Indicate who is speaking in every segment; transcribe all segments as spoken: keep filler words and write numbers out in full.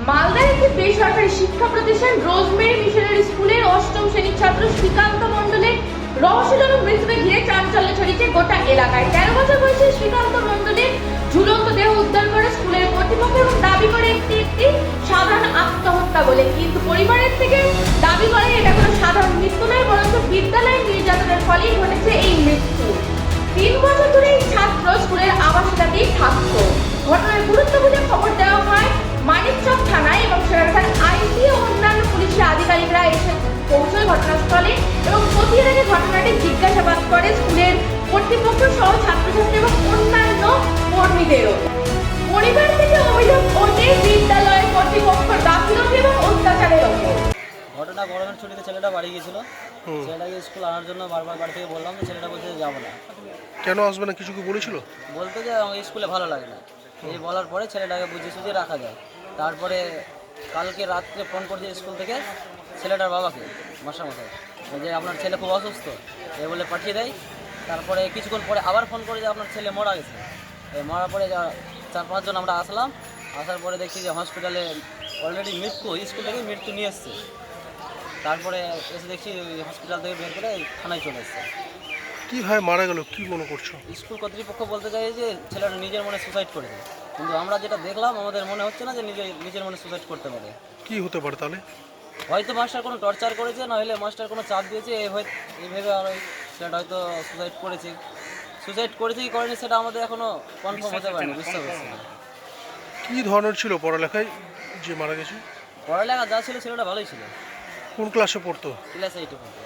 Speaker 1: মালদার একটি বেসরকারি শিক্ষা প্রতিষ্ঠান রোজমেরি মিশনারি স্কুলের অষ্টম শ্রেণীর ছাত্র শ্রীকান্ত মণ্ডলের রহস্যজনক মৃত্যুকে ঘিরে চাঞ্চল্য ছড়িয়েছে গোটা এলাকায়। তেরো বছর বয়সী শ্রীকান্ত মণ্ডলের ঝুলন্ত দেহ উদ্ধার করে স্কুলের কর্তৃপক্ষ এবং দাবি করে একটি একটি সাধারণ আত্মহত্যা বলে, কিন্তু পরিবারের থেকে দাবি করে এটা কোনো সাধারণ মৃত্যু নয়, বরঞ্চ বিদ্যালয়ের নির্যাতনের ফলেই ঘটেছে এই মৃত্যু। তিন বছর ধরে এই ছাত্র স্কুলের আবাসিকাতেই থাকত। ঘটনার গুরুত্ব বুঝে খবর দেওয়া হয় মানিকচক থানায় এবং সেখানকার আইসি ও অন্যান্য পুলিশের আধিকারিকরা এসে পৌঁছয় ঘটনাস্থলে এবং খতিয়ে দেখে ঘটনাটি জিজ্ঞাসাবাদ করে স্কুলের কর্তৃপক্ষ সহ ছাত্রছাত্রী এবং অন্যান্য কর্মীদেরও। পরিবার থেকে অভিযোগ ওঠে বিদ্যালয়ের কর্তৃপক্ষ গাফিলতি এবং অত্যাচারের ওপর।
Speaker 2: ঘটনা গরমের ছুটিতে ছেলেটা বাড়ি গেছিল, ছেলেটাকে স্কুল আনার জন্য বারবার বাড়ি থেকে বললাম যে ছেলেটা বলছে যাবো না।
Speaker 3: কেন আসবে না কিছু কি বলেছিল?
Speaker 2: বলতে যে আমাকে স্কুলে ভালো লাগে না, এই বলার পরে ছেলেটাকে বুঝিয়ে সুঝিয়ে রাখা যায়। তারপরে কালকে রাত্রে ফোন করছে স্কুল থেকে ছেলেটার বাবাকে, মশামশাই, যে আপনার ছেলে খুব অসুস্থ এ বলে পাঠিয়ে দেয়। তারপরে কিছুক্ষণ পরে আবার ফোন করে যে আপনার ছেলে মারা গেছে। এই মরার পরে চার পাঁচজন আমরা আসলাম, আসার পরে দেখছি যে হসপিটালে অলরেডি মৃত্যু, স্কুল থেকে মৃত্যু নিয়ে এসছে। তারপরে এসে দেখছি হসপিটাল থেকে বের করে থানায় চলে এসছে।
Speaker 3: কীভাবে মারা গেল কি মনে করছো?
Speaker 2: স্কুল কর্তৃপক্ষ বলতে চাই যে ছেলেটা নিজের মনে সুসাইড করেছে, কিন্তু আমরা যেটা দেখলাম আমাদের মনে হচ্ছে না যে নিজে নিজের মনে সুসাইড করতে পারে।
Speaker 3: কি হতে পারে তাহলে?
Speaker 2: হয়তো মাস্টার কোনো টর্চার করেছে, নাহলে মাস্টার কোনো চাপ দিয়েছে, এই হয়তো এইভাবে আর ওই ছেলেটা হয়তো সুসাইড করেছে। সুসাইড করেছে কি করেনি সেটা আমাদের এখনও কনফার্ম হতে পারেনি, বুঝতে পারছি না।
Speaker 3: কী ধরনের ছিল পড়ালেখায় যে মারা গেছে?
Speaker 2: পড়ালেখা যা ছিল ছেলেটা ভালোই ছিল।
Speaker 3: কোন ক্লাসে পড়তো?
Speaker 2: ক্লাস এইটে পড়তো।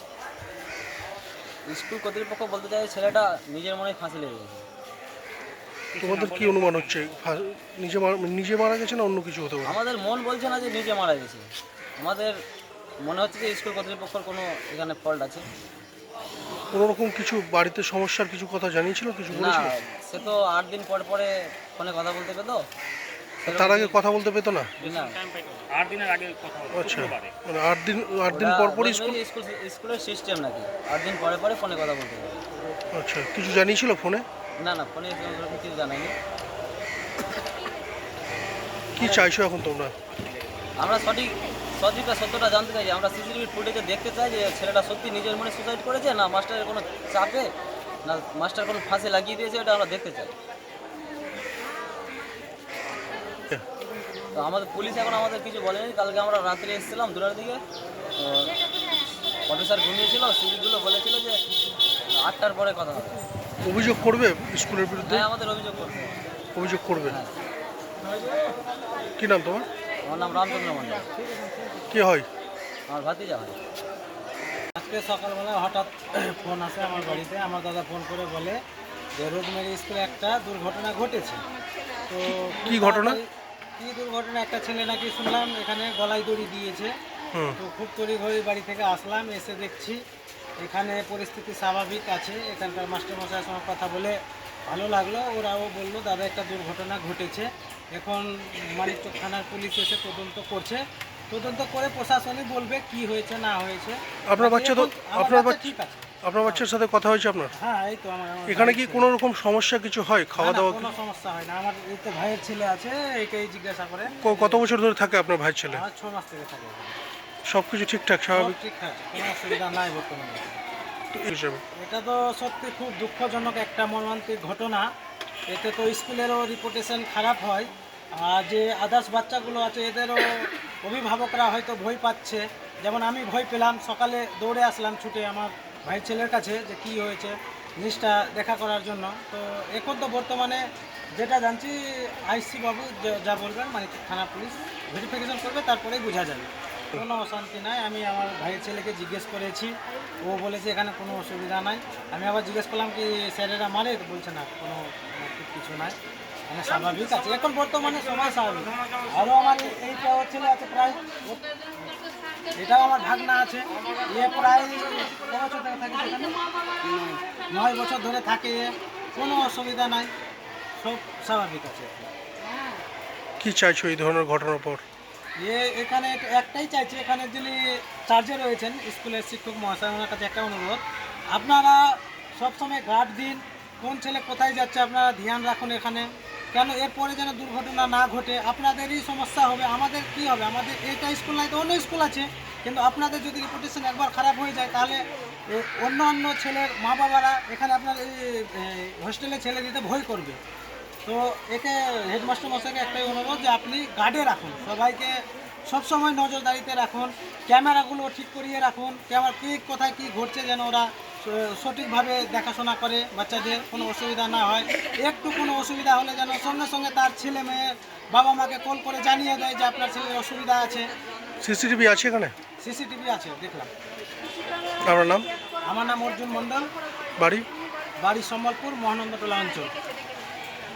Speaker 2: স্কুল কর্তৃপক্ষ বলতে চাই ছেলেটা নিজের মনে ফাঁসি লেগে গেছে।
Speaker 3: তোমাদের কি অনুমান হচ্ছে নিজে নিজে মারা গেছে না অন্য কিছু হতে পারে?
Speaker 2: আমাদের মন বলছে না যে নিজে মারা গেছে, আমাদের মনে হচ্ছে যে স্কুল কর্তৃপক্ষের কোনো এখানে ফল্ট আছে।
Speaker 3: কোনো রকম কিছু বাড়িতে সমস্যার কিছু কথা জানিয়েছিল, কিছু
Speaker 2: না,
Speaker 3: বলেছিল?
Speaker 2: সে তো আট দিন পর পরে ফোনে কথা বলতে পেতো।
Speaker 3: তার আগে কথা বলতে পেতো না?
Speaker 2: আট দিনের আগে কথা।
Speaker 3: আচ্ছা, মানে আট দিন আট দিন পর পরই স্কুল
Speaker 2: স্কুলের সিস্টেম নাকি আট দিন পরে পরে ফোনে কথা বলতে পারে।
Speaker 3: আচ্ছা, কিছু জানিয়েছিল ফোনে?
Speaker 2: না না, ফোনে কিছু জানাইনি।
Speaker 3: কি চাইছো এখন তোমরা?
Speaker 2: আমরা সঠিক সঠিকটা সত্যটা জানতে চাই। আমরা সিসিটিভি ফুটেজে দেখতে চাই যে ছেলেটা সত্যি নিজের মনে সুসাইড করেছে না মাস্টারের কোনো চাপে, না মাস্টার কোনো ফাঁসি লাগিয়ে দিয়েছে, এটা আমরা দেখতে চাই। তো আমাদের পুলিশ এখন আমাদের কিছু বলেনি। কালকে আমরা রাত্রে এসেছিলাম দুটার দিকে, অফিসার ঘুমিয়েছিল, সিভিকগুলো বলেছিল যে আটটার পরে কথা হবে।
Speaker 3: অভিযোগ করবে স্কুলের বিরুদ্ধে?
Speaker 2: হ্যাঁ, আমাদের অভিযোগ করবে।
Speaker 3: অভিযোগ করবে?
Speaker 2: হ্যাঁ।
Speaker 3: কি নাম তোমার?
Speaker 2: আমার নাম রামচন্দ্র মন্ডল।
Speaker 3: কে হয়?
Speaker 2: আমার ভাতিজা হয়।
Speaker 4: আজকে সকালবেলা হঠাৎ ফোন আসে আমার বাড়িতে। আমার দাদা ফোন করে বলে যে রোজমেরি স্কুলে একটা দুর্ঘটনা ঘটেছে। তো
Speaker 3: কি ঘটনা?
Speaker 4: কি দুর্ঘটনা? একটা ছেলে নাকি শুনলাম এখানে গলায় দড়ি দিয়েছে। তো খুব তড়িঘড়ি বাড়ি থেকে আসলাম, এসে দেখছি এখানে পরিস্থিতি স্বাভাবিক আছে। এখানকার মাস্টারমশাইয়ের সঙ্গে কথা বলে ভালো লাগলো। ওরাও বললো দাদা একটা দুর্ঘটনা ঘটেছে। এখন মানিকচক থানার পুলিশ এসে তদন্ত করছে, তদন্ত করে প্রশাসনই বলবে কি হয়েছে না হয়েছে।
Speaker 3: আপনার বাচ্চা তো আপনার বাচ্চা
Speaker 4: ঠিক আছে?
Speaker 3: আপনার বাচ্চার সাথে কথা হয়েছে আপনার?
Speaker 4: হ্যাঁ, এই তো আমার
Speaker 3: এখানে কি কোনো রকম সমস্যা কিছু হয় খাওয়া দাওয়া?
Speaker 4: কোনো সমস্যা হয় না। আমার এই তো ভাইয়ের ছেলে আছে, একেই জিজ্ঞাসা করে।
Speaker 3: কত বছর ধরে থাকে আপনার ভাইয়ের ছেলে?
Speaker 4: আমার ছ মাস থেকে থাকে।
Speaker 3: সব কিছু ঠিকঠাক স্বাভাবিক?
Speaker 4: ঠিকঠাক, কোনো অসুবিধা নাই বর্তমানে।
Speaker 3: হিসেবে
Speaker 4: এটা তো সত্যি খুব দুঃখজনক একটা মর্মান্তিক ঘটনা। এতে তো স্কুলেরও রিপুটেশন খারাপ হয়, আর যে আদার্স বাচ্চাগুলো আছে এদেরও অভিভাবকরা হয়তো ভয় পাচ্ছে। যেমন আমি ভয় পেলাম, সকালে দৌড়ে আসলাম ছুটে আমার ভাইয়ের ছেলের কাছে যে কী হয়েছে জিনিসটা দেখা করার জন্য। তো এখন তো বর্তমানে যেটা জানছি আইসি বাবু যা বলবেন মানে থানা পুলিশ ভেরিফিকেশন করবে, তারপরেই বোঝা যাবে। কোনো অশান্তি নাই। আমি আমার ভাইয়ের ছেলেকে জিজ্ঞেস করেছি, ও বলেছে এখানে কোনো অসুবিধা নাই। আমি আবার জিজ্ঞেস করলাম কি স্যারেরা মারে, তো বলছে না কোনো কিছু নাই, মানে স্বাভাবিক আছে এখন বর্তমানে সময় স্বাভাবিক। আরও আমার এইটাও ছেলে আছে প্রায়, এটাও আমার ভাগনা আছে, এ প্রায় ক বছর ধরে থাকে সেখানে, নয় বছর ধরে থাকে, কোনো অসুবিধা নাই, সব স্বাভাবিক আছে।
Speaker 3: কি চাইছো এই ধরনের ঘটনার পর?
Speaker 4: এ এখানে একটাই চাইছি, এখানে যিনি চার্জে রয়েছেন স্কুলের শিক্ষক মহাশয়, ওনার কাছে একটা অনুরোধ, আপনারা সবসময় গার্ড দিন, কোন ছেলে কোথায় যাচ্ছে আপনারা ধ্যান রাখুন। এখানে কেন এরপরে যেন দুর্ঘটনা না ঘটে। আপনাদেরই সমস্যা হবে, আমাদের কি হবে? আমাদের এইটা স্কুল নাই তো অন্য স্কুল আছে, কিন্তু আপনাদের যদি রেপুটেশন একবার খারাপ হয়ে যায় তাহলে এ, অন্য অন্য ছেলের মা বাবারা এখানে আপনার এই হোস্টেলে ছেলে দিতে ভয় করবে। তো একে হেডমাস্টার মশাইকে একটাই অনুরোধ যে আপনি গার্ডে রাখুন, সবাইকে সবসময় নজরদারিতে রাখুন, ক্যামেরাগুলো ঠিক করিয়ে রাখুন, ক্যামেরা কী কোথায় কী ঘটছে যেন ওরা স- সঠিকভাবে দেখাশোনা করে, বাচ্চাদের কোনো অসুবিধা না হয়। একটু কোনো অসুবিধা হলে যেন সঙ্গে সঙ্গে তার ছেলে মেয়ে বাবা মাকে কল করে জানিয়ে দেয় যে আপনার ছেলের অসুবিধা আছে।
Speaker 3: সিসিটিভি আছে এখানে?
Speaker 4: সিসিটিভি আছে, দেখলাম।
Speaker 3: আপনার নাম,
Speaker 4: আমার নাম অর্জুন মণ্ডল,
Speaker 3: বাড়ি?
Speaker 4: বাড়ি সম্বলপুর, মহানন্দটোলা অঞ্চল।